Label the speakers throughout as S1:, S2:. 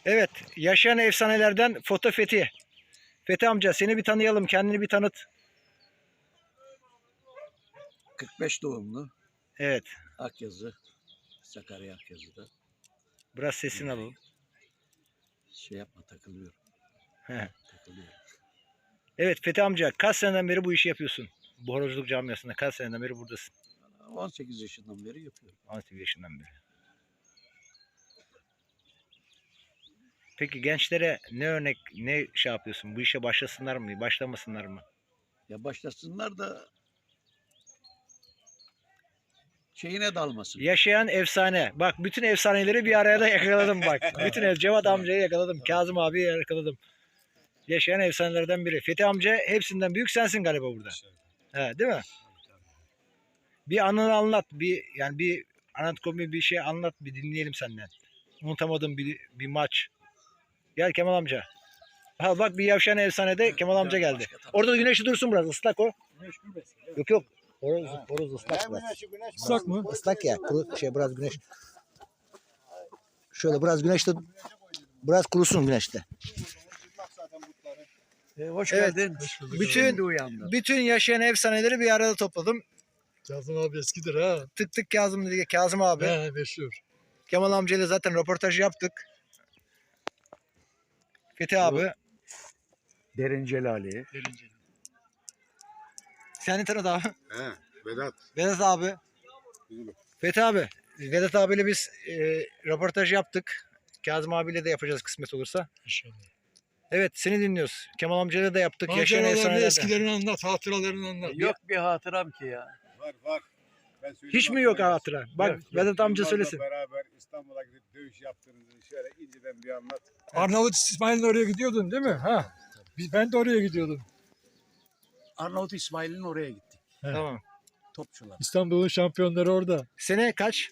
S1: Evet, yaşayan efsanelerden Foto Fethi. Fethi amca seni bir tanıyalım, kendini bir tanıt.
S2: 45 doğumlu.
S1: Evet,
S2: Akyazı. Sakarya Akyazı'da.
S1: biraz sesini alalım.
S2: Şey yapma, takılıyorum.
S1: He.
S2: Takılıyorum.
S1: Evet Fethi amca, kaç seneden beri bu işi yapıyorsun? Bu horozculuk camiasında kaç seneden beri buradasın?
S2: 18 yaşından beri yapıyorum.
S1: 18 yaşından beri. Peki gençlere ne örnek, ne şey yapıyorsun? Bu işe başlasınlar mı, başlamasınlar mı?
S2: Ya başlasınlar da şeyine dalmasın.
S1: Yaşayan efsane. Bak bütün efsaneleri bir araya da yakaladım bak. Bütün Cevat amcayı yakaladım. Kazım abiyi yakaladım. Yaşayan efsanelerden biri. Fethi amca hepsinden büyük sensin galiba burada. He, değil mi? Bir anını anlat. Bir anatomi bir şey anlat. Bir dinleyelim senden. Unutamadığım bir maç. Gel Kemal amca. Ha bak bir yaşayan efsanede Kemal amca geldi. Orada da güneşi dursun biraz. Islak o. Yok yok. Horoz ıslak biraz.
S3: Islak mı?
S1: Islak ya. Kuru, biraz güneş. Şöyle biraz güneşte biraz kurusun güneşte.
S2: Hoş
S1: Evet.
S2: geldin.
S1: Bütün yaşayan efsaneleri bir arada topladım.
S3: Kazım abi eskidir ha.
S1: Tık tık Kazım dedi. Kazım abi.
S3: He meşhur.
S1: Kemal amcayla zaten röportaj yaptık. Fethi abi.
S2: Derin Celali.
S1: Seni tanıdı abi.
S4: He, Vedat.
S1: Vedat abi. Fethi abi. Vedat abiyle biz röportaj yaptık. Kazım abiyle de yapacağız kısmet olursa.
S3: İnşallah.
S1: Evet seni dinliyoruz. Kemal amcayla da yaptık. Yaşayan
S3: Maceralarını,
S1: efsanelerden.
S3: eskilerini anlat, hatıralarını anlat.
S2: Yok bir hatıram ki ya.
S4: Var. Ben söyleyeyim
S1: Hiç mi
S4: bak,
S1: yok
S4: Vedat.
S1: hatıra? Bak
S3: Yok,
S1: Vedat amca
S4: Yılmaz'la
S1: söylesin.
S4: beraber İstanbul'a gidip dövüş yaptığınızı şöyle inceden bir anlat.
S3: Arnavut İsmail'in oraya gidiyordun değil mi? Ha. Ben de oraya gidiyordum.
S2: Arnavut İsmail'in oraya gittik.
S1: Tamam.
S2: Topçular.
S3: İstanbul'un şampiyonları orada.
S1: Sene kaç?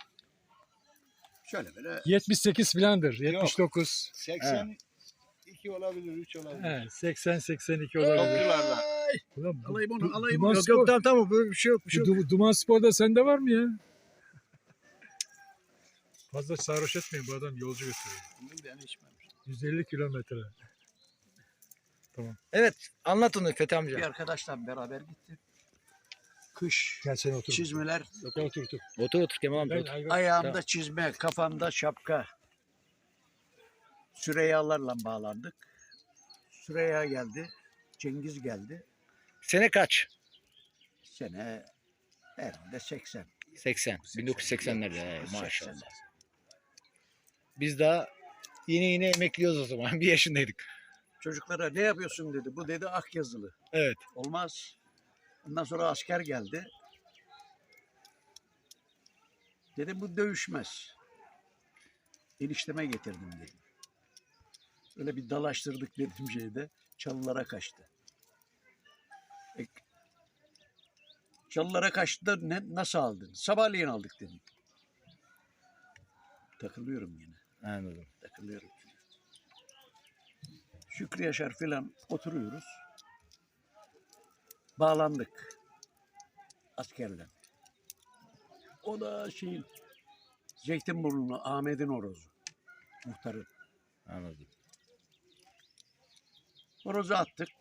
S2: Şöyle böyle
S3: 78 filandır. 79.
S4: 82 olabilir, 3 olabilir.
S3: He, 80-82 olabilir.
S4: Topçularla.
S3: Ulan
S2: alayım onu,
S3: Du-
S2: alayım
S3: Duman
S2: onu.
S1: Yok
S3: Spor,
S1: yok tamam böyle bir şey yok. Bir şey yok.
S3: Duman Spor'da sende var mı ya? Fazla sarhoş etmeyin, bu adam yolcu götürüyor.
S2: Ben içmemiş.
S3: 150 kilometre.
S1: Evet anlat onu Fethi amca.
S2: Bir arkadaşla beraber gittik. Kış,
S3: Gel sen otur.
S2: çizmeler,
S3: Gel otur.
S1: Otur otur Kemal amca.
S3: Ben,
S1: Otur.
S2: ayağımda çizme, kafamda şapka. Süreyyalarla bağlandık. Süreyya geldi, Cengiz geldi.
S1: Sene kaç?
S2: Sene herhalde 80.
S1: 80. 1980'lerde maşallah.
S2: 80.
S1: Biz daha yine emekliyoruz o zaman. Bir yaşındaydık.
S2: Çocuklara ne yapıyorsun dedi. Bu dedi Akyazılı.
S1: Evet.
S2: Olmaz. Ondan sonra asker geldi. Dedim bu dövüşmez. Enişteme getirdim dedim. Öyle bir dalaştırdık dedim şeyde. Çalılara kaçtı. Çalılara kaçtı da nasıl aldın? Sabahleyin aldık dedim. Takılıyorum yine.
S1: Anladım.
S2: Takılıyorum. Şükrü Yaşar filan oturuyoruz. Bağlandık. Askerle. O da şeyin Zeytinburnu'nu Ahmet'in horozu. Muhtarı.
S1: Anladım.
S2: Horozu attık.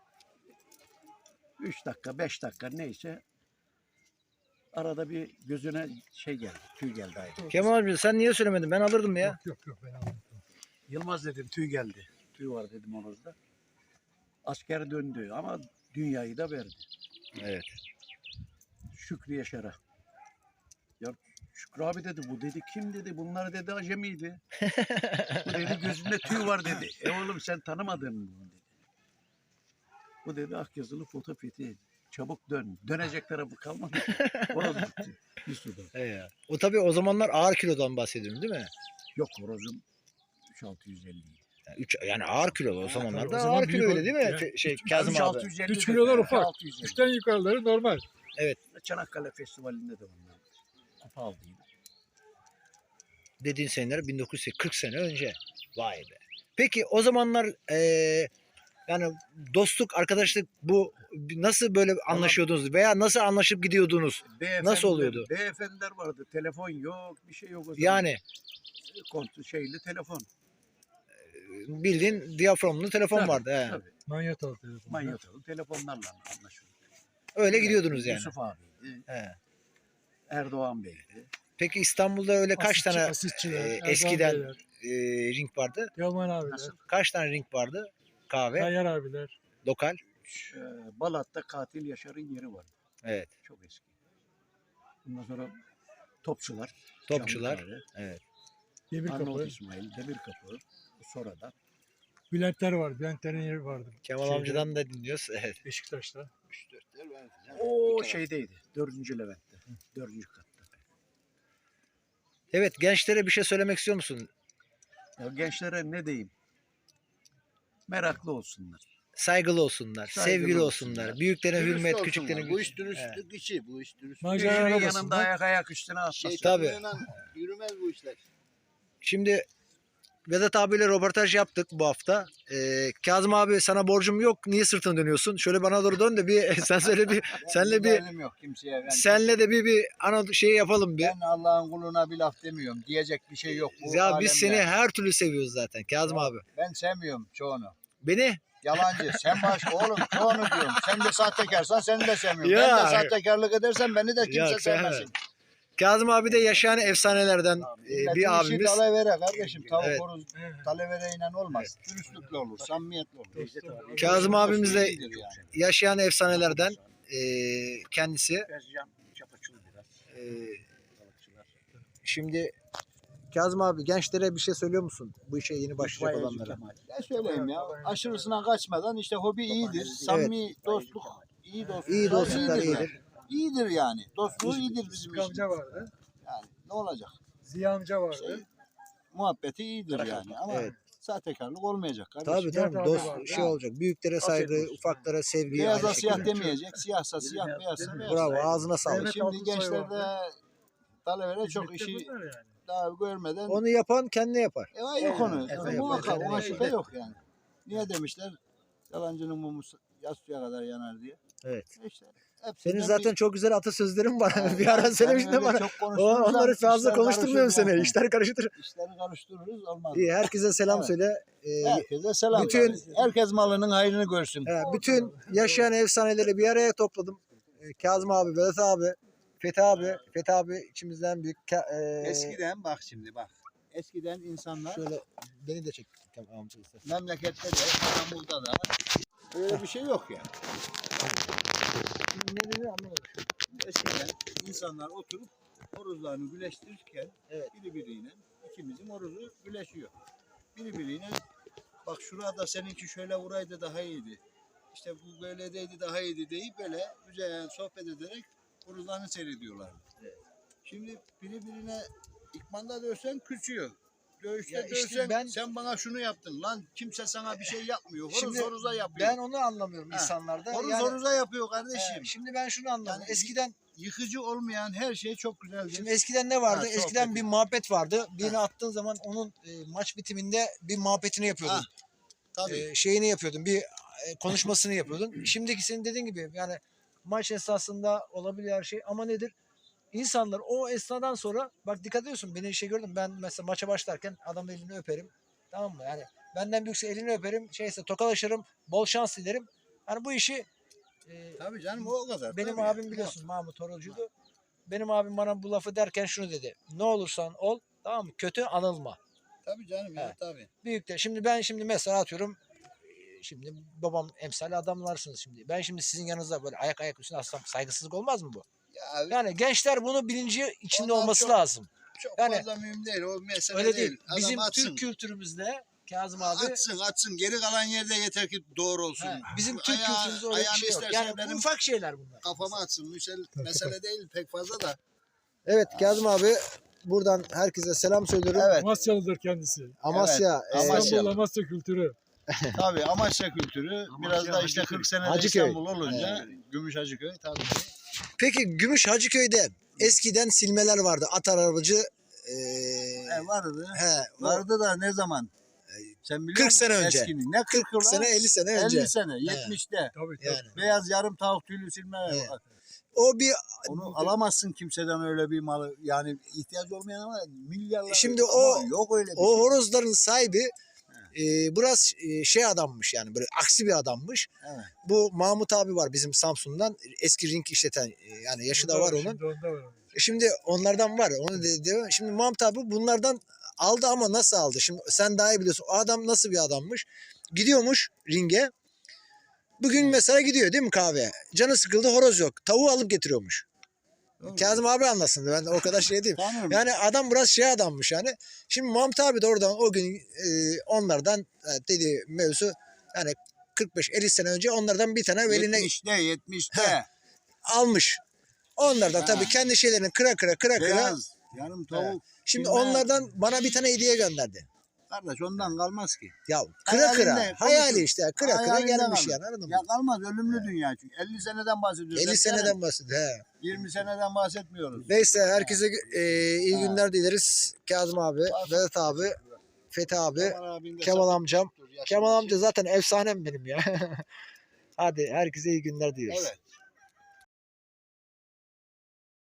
S2: 3 dakika, 5 dakika neyse arada bir gözüne şey geldi, tüy geldi ayrı.
S1: Kemal amca sen niye söylemedin? Ben alırdım ya.
S3: Yok ben anladım.
S2: Yılmaz dedim tüy geldi. Tüy var dedim horozda. Asker döndü ama dünyayı da verdi.
S1: Evet.
S2: Şükrü Yaşar'a. Ya Şükrü abi dedi bu dedi kim dedi bunlar dedi acemiydi. Bu dedi gözünde tüy var dedi. Oğlum sen tanımadın mı bunu dedi. Bu dedi Akyazılı Foto Fethi. Çabuk dön. Dönecek tarafı kalmadı. Horoz gitti. Bir suda.
S1: Evet. O tabii o zamanlar ağır kilodan bahsediyorum değil mi?
S2: Yok horozum 3650 idi.
S1: Yani ağır kilo o zamanlarda
S3: o zaman
S1: ağır kilo
S3: büyük
S1: öyle değil mi?
S3: ya.
S1: Kazım abi.
S2: 3650
S3: 3 kilolar
S2: dedi.
S3: ufak.
S2: 650.
S3: 3'ten yukarıları normal.
S2: Çanakkale Festivali'nde de onlar. Kupa aldıydı.
S1: Dediğin seneler 1940 sene önce. Vay be. Peki o zamanlar yani dostluk, arkadaşlık bu nasıl böyle anlaşıyordunuz veya nasıl anlaşıp gidiyordunuz? Nasıl oluyordu?
S2: Beyefendiler vardı. Telefon yok, bir şey yok o zaman.
S1: Yani
S2: Kontrol şeyli telefon.
S1: bildiğin diyaframlı telefon
S2: Tabii,
S1: vardı. He.
S2: tabii.
S3: Manyetal telefonu.
S2: Manyotalı telefonlarla anlaşıyorduk.
S1: Öyle gidiyordunuz yani.
S2: Yusuf abiydi,
S1: He.
S2: Erdoğan Bey'di.
S1: Peki İstanbul'da öyle kaç tane
S3: Asistçiler, Erdal
S1: eskiden
S3: Beyler,
S1: ring vardı?
S3: Teoman abiler,
S2: Nasıl?
S1: Kaç tane ring vardı? Kahve,
S3: Tayyar abiler.
S1: lokal.
S2: Balat'ta Katil Yaşar'ın yeri var.
S1: Evet.
S2: Çok eski. Ondan sonra Topçular.
S1: Topçular.
S2: Çamlıkale,
S3: Arnavut
S2: Arnavut
S3: Kapı.
S2: İsmail, Demirkapı. Sonradan.
S3: Bülentler var. Bülentlerin yeri vardı.
S1: Kemal
S3: Şeyde,
S1: amcadan da dinliyoruz. Evet.
S3: Beşiktaş'ta.
S2: O şeydeydi. 4. Levent'te. 4. katta.
S1: Evet, gençlere bir şey söylemek istiyor musun?
S2: Ya gençlere ne diyeyim? Meraklı olsunlar.
S1: Saygılı olsunlar,
S2: Saygılı
S1: sevgili
S2: olsunlar.
S1: olsunlar. Büyüklerine
S5: Dürüst
S1: hürmet,
S5: olsunlar.
S1: küçüklerine
S5: Bu iş dürüstlük işi. Bu iş dürüstlük.
S3: Macera
S2: Birinin yanında
S3: arabasında.
S2: ayak üstüne atmasın.
S5: Şeytanla yürümez bu işler.
S1: Şimdi Vedat abiyle röportaj yaptık bu hafta. Kazım abi sana borcum yok. Niye sırtını dönüyorsun? Şöyle bana doğru dön de bir sen söyle bir senle bir
S5: Benim yok kimseye.
S1: senle de bir ana şey yapalım bir.
S5: Ben Allah'ın kuluna bir laf demiyorum. Diyecek bir şey yok. Bu
S1: Ya biz seni
S5: alemde.
S1: her türlü seviyoruz zaten Kazım abi.
S5: Ben sevmiyorum çoğunu.
S1: Beni
S5: Yalancı. Sen oğlum çoğunu diyorum. Sen de sahtekarsan seni de sevmiyorum.
S1: Ya.
S5: Ben de sahtekarlık edersen beni de kimse
S1: Ya,
S5: sevmesin.
S1: Kazım abi de yaşayan efsanelerden
S5: Milletin
S1: bir
S5: işi
S1: abimiz.
S5: dalavere kardeşim. Tavuk
S1: Evet.
S5: horoz dalavereyle olmaz. Dürüstlükle olur. Samimiyetle olur.
S1: Kazım abimiz de
S5: İyidir yani.
S1: yaşayan efsanelerden kendisi. E, Şimdi Kazım abi gençlere bir şey söylüyor musun? Bu işe yeni başlayacak olanlara.
S5: Ne söyleyeyim ya? Aşırısına kaçmadan işte hobi iyidir. Samimi dostluk, iyi dostluk.
S1: İyi dostluklar
S5: iyidir.
S1: iyidir.
S5: İyidir yani. Dostluğu iyidir bizim
S3: Sıtkı
S5: için.
S3: amca vardı.
S5: Yani ne olacak?
S3: Ziya amca vardı.
S5: Muhabbeti iyidir yani ama
S1: Evet.
S5: sahtekarlık olmayacak kardeşim.
S1: Tabii tabii
S3: Nihat abi
S1: dost
S3: vardı.
S1: şey olacak. Büyüklere saygı,
S5: Afiyet olsun.
S1: ufaklara sevgi.
S5: Beyaza
S1: aynı
S5: siyah
S1: şekilde.
S5: demeyecek. Siyahsa siyah, beyazsa beyaz.
S1: Bravo ağzına sağlık.
S3: Evet.
S5: Şimdi
S3: Altınsoy
S5: gençlerde
S3: vardı.
S5: talebelere çok
S3: Hizmette
S5: işi
S3: bunlar yani.
S5: daha görmeden
S1: Onu yapan kendi yapar.
S5: yok onu.
S1: Evet,
S5: Muhakkak
S1: evet.
S5: ona şüphe yok yani. Niye demişler? Yalancının mumu yatsıya kadar yanar diye.
S1: Evet.
S5: İşte hepsinden
S1: Senin zaten çok güzel atasözlerin var.
S5: Yani
S1: bir ara
S5: ben
S1: söylemiştin de
S5: öyle
S1: bana.
S5: çok konuştuğum
S1: Onları
S5: zaman
S1: fazla
S5: işler
S1: konuşturmuyorum
S5: karışır
S1: seni.
S5: yani.
S1: İşler karıştır.
S5: İşleri karıştırırız olmaz.
S1: İyi herkese selam
S5: Evet.
S1: söyle.
S5: Herkese selam.
S1: bütün-
S5: Herkes malının hayrını görsün.
S1: Bütün yaşayan efsaneleri bir araya topladım. Kazım abi, Vedat abi, Fethi abi içimizden büyük.
S5: Eskiden bak şimdi bak. Eskiden insanlar
S1: Şöyle beni de çek. Tamam, amca istersen.
S5: memlekette de İstanbul'da da öyle bir şey yok yani.
S1: Ne dedi anlamadım.
S5: Eskiden insanlar oturup horozlarını güleştirirken
S1: Evet.
S5: biriyle ikimizin horozu güleşiyor. Biriyle bak şurada seninki şöyle vuraydı daha iyiydi. İşte bu böyle deydi daha iyiydi deyip böyle güzel sohbet ederek horozlarını seyrediyorlardı. Şimdi birine ikmanda dövsen küçüyor. Dövüşte
S1: Ya işte
S5: dövsen
S1: ben-
S5: sen bana şunu yaptın lan kimse sana bir şey yapmıyor. Horoz
S1: Şimdi
S5: horoza yapıyor.
S1: Ben onu anlamıyorum
S5: Ha,
S1: insanlarda.
S5: Horoz
S1: Yani,
S5: horoza yapıyor kardeşim.
S1: şimdi ben şunu anladım.
S5: Yani
S1: Eskiden
S5: Yıkıcı olmayan her şey çok güzeldir.
S1: Şimdi eskiden ne vardı?
S5: Ha,
S1: Eskiden
S5: sohbet.
S1: bir muhabbet vardı. Birini attığın zaman onun maç bitiminde bir muhabbetini yapıyordun.
S5: Ha, tabii.
S1: Şeyini yapıyordun. Bir konuşmasını yapıyordun. Şimdiki senin dediğin gibi yani maç esasında olabilir her şey ama nedir? İnsanlar o esnadan sonra bak dikkat ediyorsun beni şey gördüm ben mesela maça başlarken adamın elini öperim. Tamam mı? Yani benden büyükse elini öperim. Şeyse tokalaşırım. Bol şans dilerim. Hani bu işi
S5: Tabii canım o kadar.
S1: benim
S5: tabii.
S1: abim biliyorsun Mahmut Horozcu'ydu. Benim abim bana bu lafı derken şunu dedi. Ne olursan ol tamam mı? Kötü anılma.
S5: Tabii canım ya
S1: He.
S5: tabii.
S1: Büyük de şimdi ben mesela atıyorum şimdi babam emsali adamlarsınız şimdi. Ben şimdi sizin yanınızda böyle ayak üstüne atsam saygısızlık olmaz mı bu?
S5: Ya
S1: Yani gençler bunu bilinci içinde
S5: Onlar
S1: olması
S5: çok-
S1: lazım.
S5: çok
S1: yani-
S5: fazla mühim değil o mesele
S1: Öyle
S5: değil.
S1: değil.
S5: Adam
S1: Bizim
S5: atsın.
S1: Türk kültürümüzde Kazım abi
S5: Atsın geri kalan yerde yeter ki doğru olsun.
S1: bizim Türk
S5: Ayağı-
S1: kültürümüzde öyle bir
S5: ayağını
S1: şey yok.
S5: istersen
S1: Yani bu
S5: benim
S1: ufak şeyler bunlar.
S5: Kafama atsın mesele değil pek fazla da.
S1: Evet Kazım abi buradan herkese selam söylüyorum.
S5: Evet
S3: Amasyalıdır kendisi.
S1: Amasya,
S5: Amasya.
S3: İstanbul Amasya kültürü.
S5: tabii Amasya kültürü biraz da işte 40 senede
S1: Hacıköy.
S5: İstanbul olunca Gümüş Hacıköy tabii.
S1: Peki Gümüş Hacıköy'de eskiden silmeler vardı. At arabacı
S5: Vardı.
S1: he,
S5: Vardı da ne zaman? Sen biliyor
S1: 40
S5: musun
S1: sene önce.
S5: eskini? Ne 40
S1: 40 sene 50 sene önce.
S5: 50 sene 70'te.
S3: Tabii tabii.
S1: Yani.
S5: Beyaz yarım tavuk tüylü silme.
S1: Evet. O bir
S5: Onu alamazsın kimseden öyle bir malı. Yani ihtiyaç olmayan ama milyarlar.
S1: Şimdi
S5: ama
S1: o-
S5: yok öyle bir
S1: o
S5: şey.
S1: horozların sahibi Biraz şey adammış yani böyle aksi bir adammış.
S5: Evet.
S1: Bu Mahmut abi var bizim Samsun'dan eski ring işleten yani yaşı da var onun.
S3: Şimdi onda var.
S1: Şimdi onlardan var onu dedi. Şimdi Mahmut abi bunlardan aldı ama nasıl aldı? Şimdi sen daha iyi biliyorsun. O adam nasıl bir adammış? Gidiyormuş ringe. Bugün mesela gidiyor değil mi kahveye? Canı sıkıldı horoz yok. Tavuğu alıp getiriyormuş.
S5: Doğru.
S1: Kazım abi anlasın. Ben o kadar şey değilim.
S5: Tanıyorum.
S1: Yani adam biraz şey adammış yani. Şimdi Mahmut abi de oradan o gün onlardan dedi mevzu yani 45-50 sene önce onlardan bir tane veline
S5: 70'te.
S1: almış. Onlardan
S5: Ha.
S1: tabii kendi şeylerini kıra kıra.
S5: Beyaz. Yarım tavuk.
S1: Şimdi
S5: bilmem.
S1: onlardan bana bir tane hediye gönderdi.
S5: Kardeş ondan kalmaz ki.
S1: Ya kıra
S5: Hayalinde,
S1: hayali
S5: konuşun.
S1: işte kıra
S5: Hayalinde
S1: gelmiş
S5: kalır.
S1: yani anladın mı?
S5: Ya kalmaz ölümlü dünya çünkü. 50 seneden bahsediyoruz.
S1: 50 seneden bahsediyor. He.
S5: 20 seneden bahsetmiyoruz.
S1: Neyse herkese iyi
S5: Ha.
S1: günler dileriz. Kazım abi, Vedat abi, Fethi abi,
S5: abin de
S1: Kemal
S5: sabır
S1: amcam.
S5: tuttur, yaşlı
S1: Kemal
S5: başı.
S1: amca zaten efsanem benim ya. Hadi herkese iyi günler diliyoruz.
S5: Evet.